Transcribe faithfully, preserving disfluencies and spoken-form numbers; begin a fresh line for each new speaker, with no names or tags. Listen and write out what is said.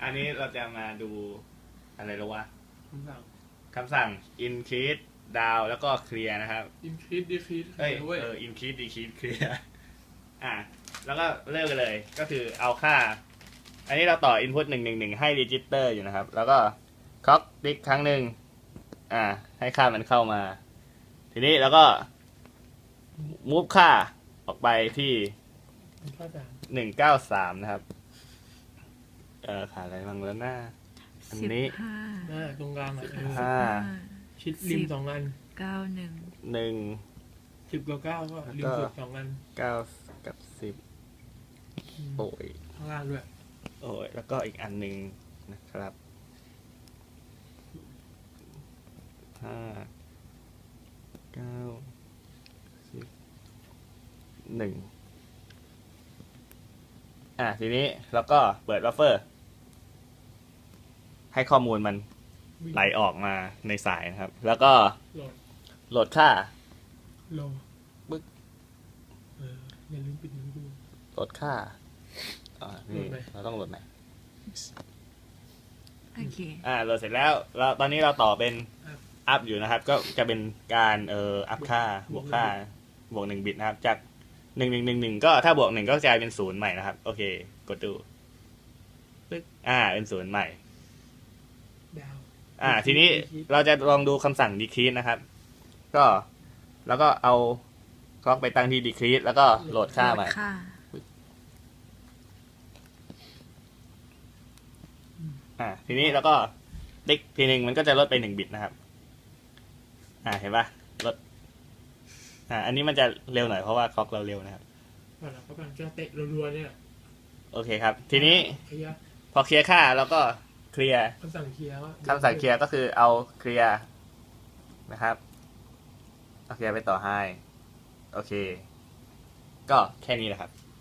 อันนี้เราจะมาดูอะไรแล้ววะ
คำสั่ง
คำสั่ง increase down แล้วก็ clear นะครับ
increase decrease
เอ้ย
เว้ย
เออ increase decrease clear อ่ะแล้วก็เริ่มกันเลยก็คือเอาค่า อันนี้เราต่อ input หนึ่งหนึ่งหนึ่งให้ register อยู่นะครับ แล้วก็ clock tick ครั้งหนึ่งอ่าให้ค่ามันเข้ามา ทีนี้แล้วก็ move ค่าออกไปที่
ข้อสาม
หนึ่งเก้าสามนะครับ เออขาดอะไรบ้างแล้วหน้า อันนี้
สิบห้า
อ่าตรงกลางอ่ะเออ
ห้า
ชิดริมสองอัน
เก้าหนึ่ง
หนึ่ง
สิบกับเก้าก็ริมสุดสองอัน
เก้ากับสิบ
อืม
โอ้ย
ข้างล่างด้วย
โอ้ยแล้วก็อีกอันหนึ่งนะครับห้าเก้าสิบหนึ่งอ่ะทีนี้แล้วก็เปิดบัฟเฟอร์ ให้ข้อมูลมัน
วิ่ง
ไหลออกมาในสายนะครับ แล้วก็
โหลด
โหลดค่า
โหลด
ปึ๊ก
เอออย่าลืมปิดมือดู
โหลดค่าอ่านี่
โหลดไหน
เราต้องโหลดไหน
โอเค
อ่าโหลดเสร็จแล้วเราตอนนี้เราต่อเป็นอัพอยู่นะครับ ก็จะเป็นการเอ่ออัพค่าบวกค่าบวกหนึ่งบิตนะครับ จากหนึ่งหนึ่งหนึ่งหนึ่งก็ถ้าบวกหนึ่งก็กลายเป็นศูนย์ใหม่นะครับ โอเค กดดูปึ๊กอ่าเป็นศูนย์ใหม่
ดาว
อ่า ทีนี้เราจะลองดูคำสั่ง decrease นะครับ ก็แล้วก็เอาคล็อกไปตั้งที่ decrease แล้วก็โหลดค่าใหม่
ค่า
อ่า ทีนี้แล้วก็ติ๊กทีหนึ่งมันก็จะลดไปหนึ่งบิตนะครับ อ่าเห็นปะลด อ่า อันนี้มันจะเร็วหน่อยเพราะว่าคล็อกเราเร็วนะครับ
ก่อนเราก็กำลังจะเตะรัวๆเนี่ย
โอเคครับ ทีนี้
เคลียร์
พอเคลียร์ค่าแล้วก็เคลียร์
คำสั่งเคลียร์ว่า
คำสั่งเคลียร์ก็คือเอาเคลียร์นะครับเอาเคลียร์ไปต่อให้โอเค ก็แค่นี้แหละครับ